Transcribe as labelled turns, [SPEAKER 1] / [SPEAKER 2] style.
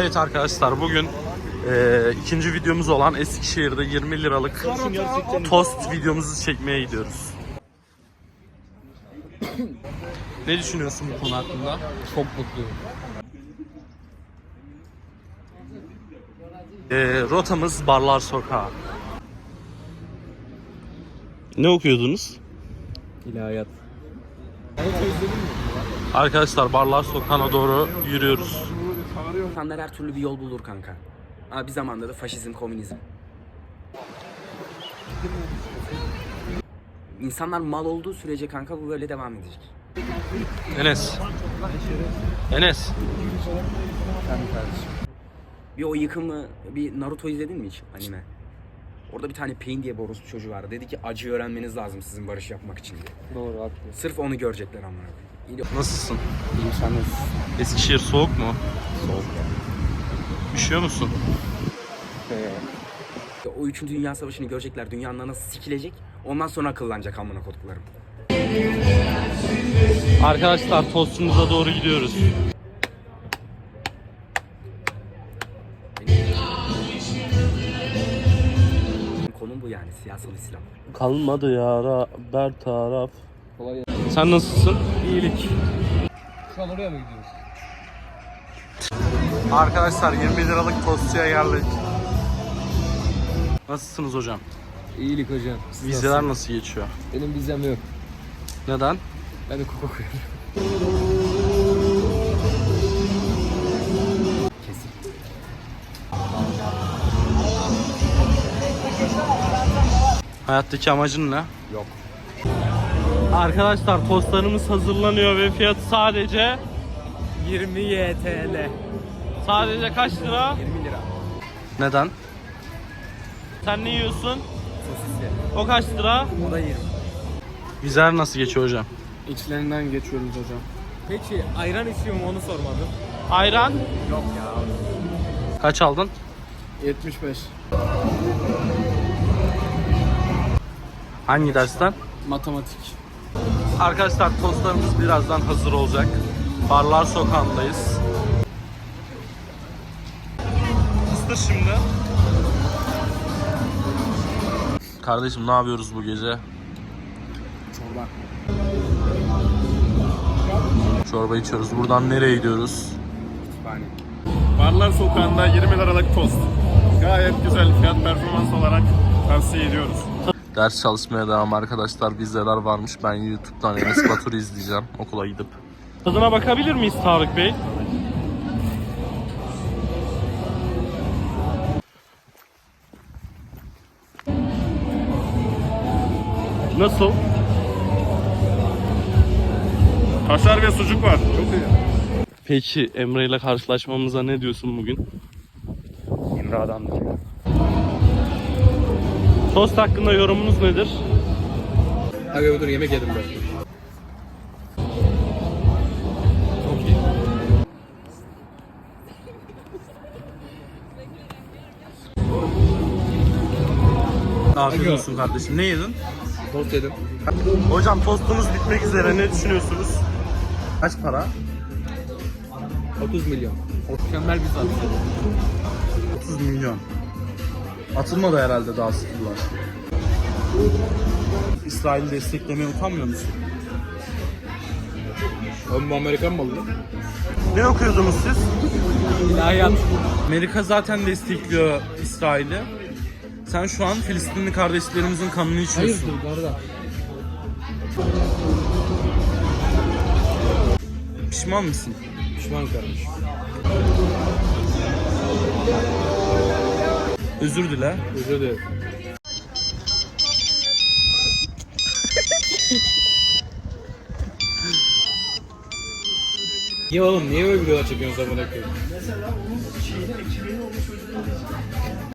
[SPEAKER 1] Evet arkadaşlar, bugün ikinci videomuz olan Eskişehir'de 20 liralık tost videomuzu çekmeye gidiyoruz. Ne düşünüyorsun bu konu hakkında?
[SPEAKER 2] Çok mutluyum.
[SPEAKER 1] Rotamız Barlar Sokağı. Ne okuyordunuz?
[SPEAKER 2] İlahiyat.
[SPEAKER 1] Arkadaşlar Barlar Sokağı'na doğru yürüyoruz.
[SPEAKER 3] İnsanlar her türlü bir yol bulur kanka. Ama bir zamanda da faşizm, komünizm. İnsanlar mal olduğu sürece kanka bu böyle devam edecek.
[SPEAKER 1] Enes. Enes.
[SPEAKER 3] Bir o yıkımı, bir Naruto izledin mi hiç anime? Orada bir tane Pain diye bir orospu çocuğu vardı. Dedi ki acı öğrenmeniz lazım sizin barış yapmak için diye.
[SPEAKER 2] Doğru, haklı.
[SPEAKER 3] Sırf onu görecekler amına koyayım.
[SPEAKER 1] Nasılsın?
[SPEAKER 3] İnsanız
[SPEAKER 1] Eskişehir soğuk mu?
[SPEAKER 3] soğuk ya.
[SPEAKER 1] Üşüyor musun?
[SPEAKER 3] O 3. Dünya Savaşı'nı görecekler. Dünyanın nasıl sikilecek. Ondan sonra akıllanacak amına koduklarım.
[SPEAKER 1] Arkadaşlar tostumuza doğru gidiyoruz.
[SPEAKER 3] Konum bu yani, siyasal İslam.
[SPEAKER 1] Kalmadı yara ber taraf.
[SPEAKER 2] Kolay gelsin.
[SPEAKER 1] Sen nasılsın?
[SPEAKER 2] İyilik. Şu an oraya mı gidiyoruz?
[SPEAKER 1] Arkadaşlar 20 liralık tostçuya geldik. Nasılsınız hocam?
[SPEAKER 2] İyilik hocam. Siz
[SPEAKER 1] Vizeler
[SPEAKER 2] nasılsınız?
[SPEAKER 1] nasıl geçiyor?
[SPEAKER 2] Benim vizem yok.
[SPEAKER 1] Neden?
[SPEAKER 2] Ben hukuk okuyorum.
[SPEAKER 3] Kesin.
[SPEAKER 1] Hayattaki amacın ne?
[SPEAKER 3] Yok.
[SPEAKER 1] Arkadaşlar tostlarımız hazırlanıyor ve fiyatı sadece
[SPEAKER 2] 20 YTL.
[SPEAKER 1] sadece kaç lira?
[SPEAKER 3] 20 lira.
[SPEAKER 1] Neden? Sen ne yiyorsun?
[SPEAKER 3] Sosisli.
[SPEAKER 1] O kaç lira?
[SPEAKER 3] O da 20.
[SPEAKER 1] Vizeler nasıl geçiyor hocam?
[SPEAKER 2] İçlerinden geçiyoruz hocam. Peki ayran içiyor mu onu sormadım.
[SPEAKER 1] Ayran?
[SPEAKER 3] Yok ya.
[SPEAKER 1] Kaç aldın?
[SPEAKER 2] 75.
[SPEAKER 1] Hangi dersten?
[SPEAKER 2] Matematik.
[SPEAKER 1] Arkadaşlar tostlarımız birazdan hazır olacak. Barlar Sokağı'ndayız. Isır şimdi. Kardeşim ne yapıyoruz bu gece?
[SPEAKER 2] Çorba.
[SPEAKER 1] Çorba içiyoruz. Buradan nereye gidiyoruz?
[SPEAKER 3] Kütüphane.
[SPEAKER 4] Barlar Sokağı'nda 20 liralık tost. Gayet güzel, fiyat performans olarak tavsiye ediyoruz.
[SPEAKER 1] Ders çalışmaya devam arkadaşlar. Vizeler varmış. Ben YouTube'dan Enes Batur'u izleyeceğim okula gidip. Tadına bakabilir miyiz Tarık Bey? Nasıl?
[SPEAKER 4] Kaşar ve sucuk var. Çok iyi.
[SPEAKER 1] Peki Emre ile karşılaşmamıza ne diyorsun bugün?
[SPEAKER 3] Emre adamdır ya.
[SPEAKER 1] Tost hakkında yorumunuz nedir?
[SPEAKER 2] Abi dur yemek yedim ben. Çok iyi.
[SPEAKER 1] Afiyet olsun kardeşim. Ne yedin?
[SPEAKER 2] Tost yedim.
[SPEAKER 1] Hocam tostunuz bitmek üzere. Ne düşünüyorsunuz? Kaç para?
[SPEAKER 2] 30 milyon. Mükemmel bir saat.
[SPEAKER 1] 30 milyon. Atılmadı herhalde daha sıkılar. İsrail'i desteklemeye utanmıyor musun?
[SPEAKER 2] Oğlum bu Amerikan malı.
[SPEAKER 1] Ne okuyordunuz siz?
[SPEAKER 2] İlahiyat.
[SPEAKER 1] Amerika zaten destekliyor İsrail'i. Sen şu an Filistinli kardeşlerimizin kanını içiyorsun.
[SPEAKER 2] Hayırdır bu arada?
[SPEAKER 1] Pişman mısın?
[SPEAKER 2] Pişman kardeş.
[SPEAKER 1] Özür dile.
[SPEAKER 2] Özür dilerim. Niye oğlum? Niye böyle videolar çekiyorsun zaman koyayım?